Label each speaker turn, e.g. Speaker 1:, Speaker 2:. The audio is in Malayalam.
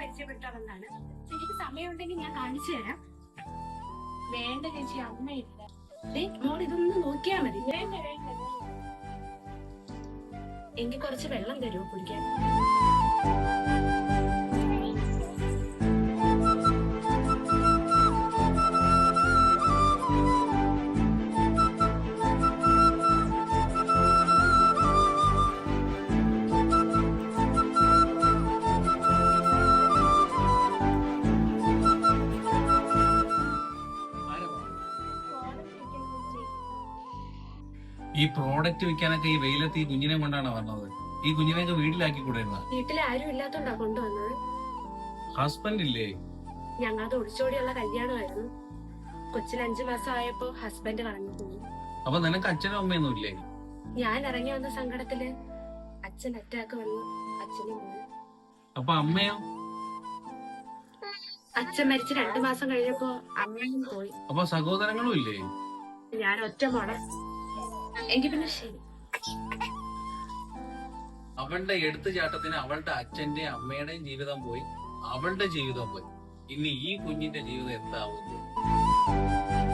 Speaker 1: പരിചയപ്പെട്ടവന്നാണ്. എനിക്ക് സമയമുണ്ടെങ്കിൽ ഞാൻ കാണിച്ചു തരാം. വേണ്ട ചേച്ചി, അമ്മയില്ല. മോൾ ഇതൊന്ന് നോക്കിയാ മതി. വേണ്ട വേണ്ട, എനിക്ക് കുറച്ച് വെള്ളം തരുമോ കുടിക്കാൻ?
Speaker 2: ഈ പ്രോഡക്റ്റ് വിൽക്കാനൊക്കെ ഈ വെയിലത്ത് ഈ കുഞ്ഞിനെ കൊണ്ടാണ് വന്നത്. ഈ കുഞ്ഞിനെയൊക്കെ വീട്ടിലാക്കി കൂടായിരുന്ന?
Speaker 1: വീട്ടിൽ ആരും ഇല്ലാത്തോണ്ടാ കൊണ്ടുവന്നത്.
Speaker 2: ഹസ്ബൻഡ് ഇല്ലേ?
Speaker 1: ഞങ്ങളുടെ ഒളിച്ചോടിയുള്ള കല്യാണമായിരുന്നു. കൊച്ചിന് 5 മാസം ആയപ്പോ ഹസ്ബൻഡ് കളഞ്ഞു പോയി.
Speaker 2: അപ്പൊ നിനക്ക് അച്ഛനും അമ്മയൊന്നും ഇല്ലേ?
Speaker 1: ഞാൻ ഇറങ്ങി വന്ന സങ്കടത്തില് അച്ഛൻ അറ്റാക്ക് വന്നു, അച്ഛനും പോയി.
Speaker 2: അപ്പൊ അമ്മയോ?
Speaker 1: അച്ഛൻ മരിച്ച് 2 മാസം കഴിഞ്ഞപ്പോ അമ്മയും പോയി.
Speaker 2: അപ്പൊ സഹോദരങ്ങളും ഇല്ലേ?
Speaker 1: ഞാൻ ഒറ്റ മോളെ. എങ്കിൽ പിന്നെ ശരി.
Speaker 2: അവളുടെ എടുത്തുചാട്ടത്തിന് അവളുടെ അച്ഛന്റെയും അമ്മയുടെയും ജീവിതം പോയി, അവളുടെ ജീവിതം പോയി. ഇനി ഈ കുഞ്ഞിന്റെ ജീവിതം എന്താവുന്നു?